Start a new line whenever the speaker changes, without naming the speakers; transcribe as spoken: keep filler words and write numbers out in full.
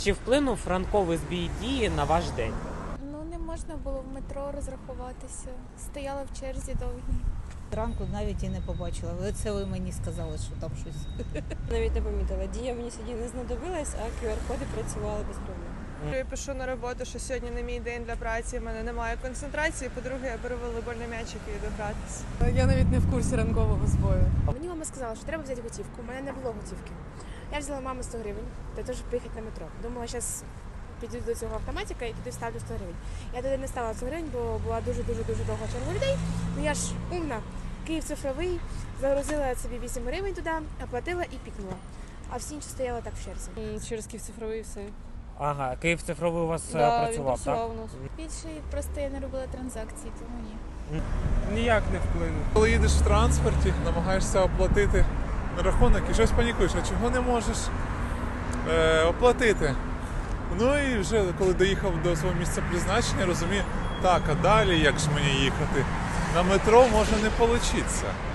Чи вплинув ранковий збій дії на ваш день?
Ну, не можна було в метро розрахуватися. Стояла в черзі довгій.
Ранку навіть і не побачила. Ви це ви мені сказали, що там щось.
Навіть не помітила. Дія мені сьогодні не знадобилась, а кю ар-коди працювали без проблем.
Я пишу на роботу, що сьогодні не мій день для праці, в мене немає концентрації. По-друге, я беру волейбольний м'ячик і йду гратися.
Я навіть не в курсі ранкового збою.
Мені мама сказала, що треба взяти готівку. У мене не було готівки. Я взяла мамі сто гривень для того, щоб поїхати на метро. Думала, зараз піду до цього автоматика і піду ставлю сто гривень. Я туди не ставила сто гривень, бо була дуже-дуже-дуже довга черга людей. Ну я ж умна. Київ цифровий, загрузила собі вісім гривень туди, оплатила і пікнула. А всі інші стояли так в черзі.
Через Київ цифровий і все.
Ага, Київ цифровий у вас е,
Да, він
працював, так?
працював у нас.
Більше просто я не робила транзакції, тому ні.
Ніяк не вплинув. Коли їдеш в транспорті, намагаєшся оплатити рахунок і щось панікуєш, а чого не можеш е, оплатити. Ну і вже коли доїхав до свого місця призначення, розумію, так, а далі як ж мені їхати? На метро може не вийти.